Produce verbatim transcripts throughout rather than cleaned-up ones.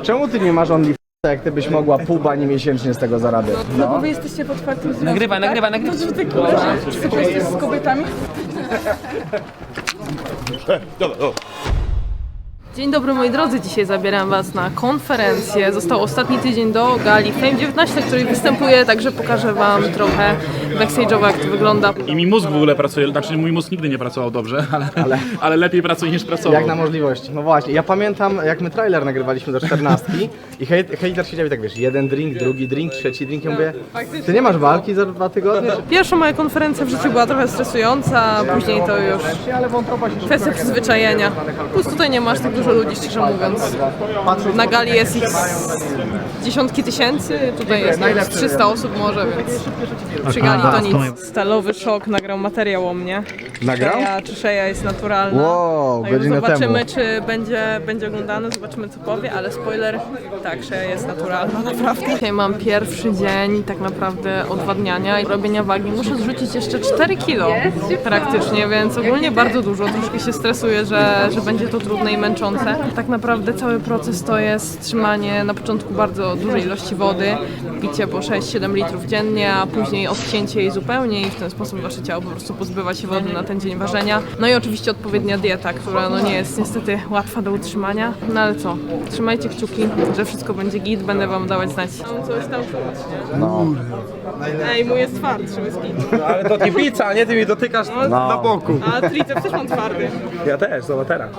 Czemu ty nie masz OnlyFans, jak ty byś mogła pół bani miesięcznie z tego zarabiać? No, no bo wy jesteście pod otwartym związku, Nagrywaj, tak? nagrywaj, nagrywaj. To, że ty koleżanki, czy ty jesteś z kobietami? Dzień dobry moi drodzy, dzisiaj zabieram was na konferencję. Został ostatni tydzień do gali Fame dziewiętnaście, na której występuję, także pokażę wam trochę backstage'owo, jak to wygląda. I mi mózg w ogóle pracuje, znaczy mój mózg nigdy nie pracował dobrze, ale, ale, ale lepiej pracuje niż pracował. Jak na możliwość. No właśnie, ja pamiętam jak my trailer nagrywaliśmy do czternastki i hejt, hejter siedział i tak wiesz, jeden drink, drugi drink, trzeci drink, ja mówię, ty nie masz walki za dwa tygodnie? Pierwsza moja konferencja w życiu była trochę stresująca, później to już Ale wątroba się kwestia przyzwyczajenia. Plus tutaj nie masz tak dużo ludzi, szczerze mówiąc. Na gali jest ich dziesiątki tysięcy, tutaj jest trzysta osób może, więc przy gali to nic. Stalowy Szok nagrał materiał o mnie. Nagrał? Szeja, czy Szeja jest naturalna. Wow, Także godzinę zobaczymy, temu. czy będzie, będzie oglądany, zobaczymy co powie, ale spoiler, tak, Szeja jest naturalna, naprawdę. Dzisiaj mam pierwszy dzień tak naprawdę odwadniania i robienia wagi. Muszę zrzucić jeszcze cztery kilo praktycznie, więc ogólnie bardzo dużo. Troszkę się stresuję, że, że będzie to trudne i męczące. Tak naprawdę cały proces to jest trzymanie na początku bardzo dużej ilości wody, picie po sześć siedem litrów dziennie, a później odcięcie jej zupełnie i w ten sposób wasze ciało po prostu pozbywa się wody na ten dzień ważenia. No i oczywiście odpowiednia dieta, która no nie jest niestety łatwa do utrzymania. No ale co, trzymajcie kciuki, że wszystko będzie git, będę wam dawać znać. Mam coś tam czuć, nie? No. Ej, mój jest twardszy, jest git. Ale to nie pizza, nie? Ty mi dotykasz No. na boku. A triceps też mam twardy. Ja też, zobacz teraz.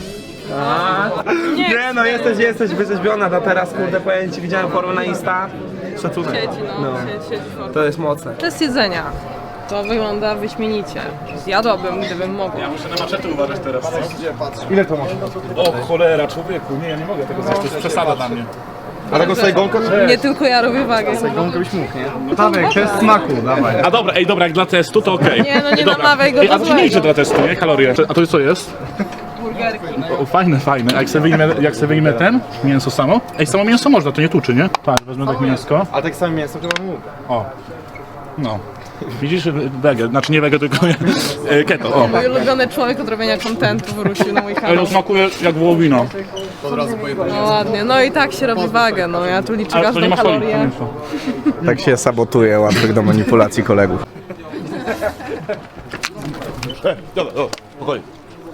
Nie, Nie no, jesteś, jesteś wyrzeźbiona, to teraz kurde powiem ci, widziałem formę na Insta. Szacunek. siedzi, no, No. siedzi, siedzi forma. To jest mocne. Test jedzenia. To wygląda wyśmienicie. Zjadłabym, gdybym mogła. Muszę na maczety uważać teraz, co? Ile to masz? O cholera, człowieku, nie, ja nie mogę tego zjeść, to jest przesada dla mnie. A tego sobie gąka? Nie tylko ja robię wagę. Gąkę byś mógł, nie? Tadek, test smaku, dawaj. A dobra, ej, dobra, jak dla testu to okej. Nie, no nie Ej, dobra. namawiaj go Ej, do a to się nie złego. liczy dla testu, nie? Kalorie. A to co jest? Burgerki. O, fajne, fajne. A jak sobie wyjmę, jak sobie wyjmę ten, mięso samo? Ej, samo mięso można, to nie tuczy, nie? Tak, wezmę tak mięsko. A tak samo mięso chyba mógł. O, no. Widzisz, wege, znaczy nie wege, tylko e, keto, o. Mój ulubiony człowiek od robienia kontentu wrócił na mój Ale kanał. to smakuje jak wołowina. No ładnie, no i tak się robi wagę, no ja tu liczę Ale to nie każdą ma soli, kalorię. mięso. Tak się sabotuje łatwych do manipulacji kolegów. Dobra, o, spokojnie.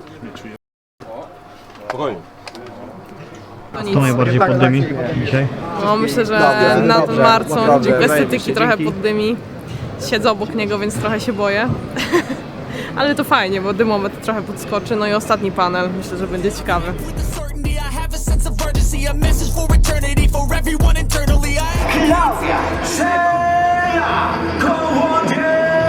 Spokojnie. To nic. To najbardziej poddymi dzisiaj? No myślę, że Dobrze, nad dobrze, Marcą naprawdę, dźwięk estetyki zajebiście, trochę dzięki. poddymi. Siedzę obok niego, więc trochę się boję. Ale to fajnie, bo dymometr trochę podskoczy. No i ostatni panel, myślę, że będzie ciekawy. certainty. I have a sense of urgency, a message for eternity, for everyone internally. I Klaudia Szeja Kołodziejczyk!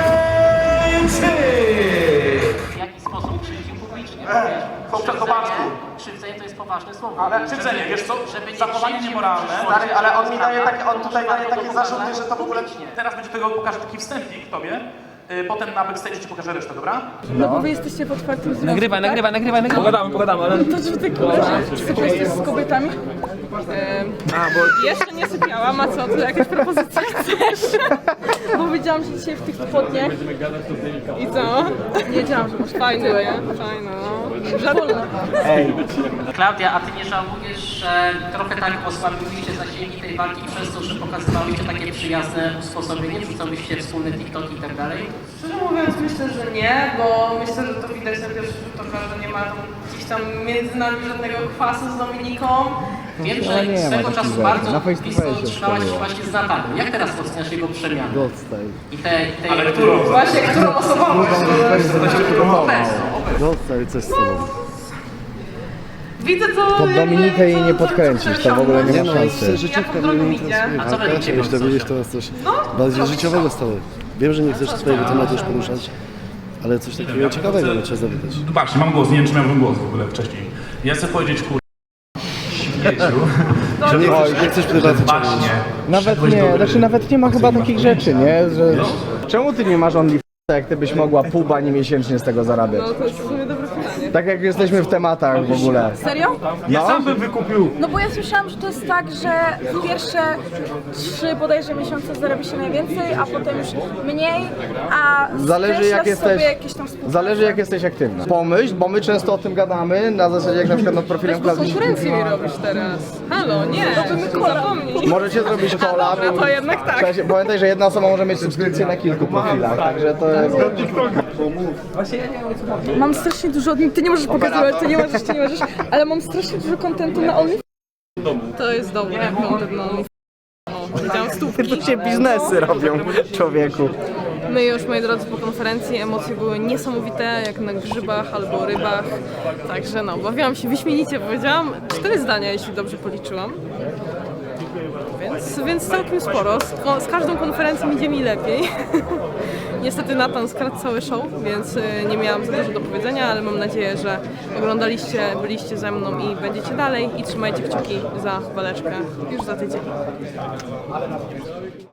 W jaki sposób krzywdził publicznie? Po przechowacku. Krzywdzenie to jest poważne słowo. Ale krzywdzenie, wiesz co? Żeby nie Zachowanie krzywdził niemoralne. publicznie. Ale on mi daje takie, on tutaj daje takie zarzuty, Publicznie. że to w ogóle... Teraz będzie tego, pokażę taki wstępnik tobie. Y, Potem na backstage ci pokażę resztę, dobra? No bo wy jesteście pod otwartym związku, Nagrywaj, tak? nagrywaj, nagrywaj, nagrywaj. Pogadamy, pogadamy, ale... To czy ty koleżanki, czy ty jesteś z kobietami? Ehm, A, bo... jeszcze nie sypiałam, a co, ty jakaś propozycja chcesz? Bo widziałam, że dzisiaj w tych spodniach. I co? Nie wiedziałam, że masz fajne, nie? Fajne, no. Żarulne. Klaudia, a ty nie żałujesz, że trochę tak osłabiłyście zasięgi tej walki przez to, że pokazywałyście takie przyjazne usposobienie, wrzucałyście wspólne TikToki i tak dalej? Szczerze mówiąc myślę, że nie, bo myślę, że to widać na pierwszy rzut oka, że nie ma tam gdzieś tam między nami żadnego kwasu z Dominiką. Wiem, że nie ma swego takich czasu rzeczy. bardzo Na face to blisko face się trzymałaś się szkoliło. właśnie z Natalą. Jak teraz oceniasz jego przemianę? Dostaj. I te, i te... Ale którą? Właśnie, którą osobą? Dostaj, coś z tobą. Widzę to... Pod Dominikę jej nie podkręcisz, to w ogóle nie ma szansy. Jak w drogą idzie. A co będziecie Chciałeś dowiedzieć, to jest coś bardziej życiowego stałe. Wiem, że nie chcesz swojego tematu już poruszać, ale coś takiego ciekawego no, trzeba zapytać. Zobaczcie, mam głos, nie wiem czy miałem głos w ogóle wcześniej. Ja chcę powiedzieć, kur... śmieciu, Że nie chcesz, nie chcesz prywatnie ciągnąć. właśnie. Nawet nie, znaczy nawet nie ma chyba takich rzeczy, nie? Że... Czemu ty nie masz OnlyFans, jak ty byś mogła pół bani miesięcznie z tego zarabiać? No to jest w sumie dobre pytanie. Tak jak jesteśmy w tematach w ogóle. Serio? Ja Sam bym wykupił. No bo ja słyszałam, że to jest tak, że w pierwsze trzy bodajże miesiące zarobi się najwięcej, a potem już mniej, a Zależy jak skreślasz jesteś, sobie jakieś tam współpracę. zależy jak jesteś aktywna. Pomyśl, bo my często o tym gadamy, na zasadzie jak na przykład nad profilem Bo Klaudii. konkurencję mi robisz teraz. Halo, nie, zapomnij. Możecie zrobić kola. Dobra, to jednak tak. W sensie, pamiętaj, że jedna osoba może mieć subskrypcję na kilku profilach, także to jest... Mam strasznie dużo, ty nie możesz pokazywać, ty nie możesz, ty nie możesz, ale mam strasznie dużo kontentu na OnlyFans. To jest dobry content na OnlyFans. O, widziałam stópki. Tu się biznesy robią, człowieku. My już, moi drodzy, po konferencji emocje były niesamowite, jak na grzybach albo rybach. Także no, bawiłam się wyśmienicie, powiedziałam cztery zdania, jeśli dobrze policzyłam. Więc, więc całkiem sporo. Z, ko- z każdą konferencją idzie mi lepiej. Niestety Nathan skradł cały show, więc y, nie miałam za dużo do powiedzenia, ale mam nadzieję, że oglądaliście, byliście ze mną i będziecie dalej i trzymajcie kciuki za waleczkę już za tydzień.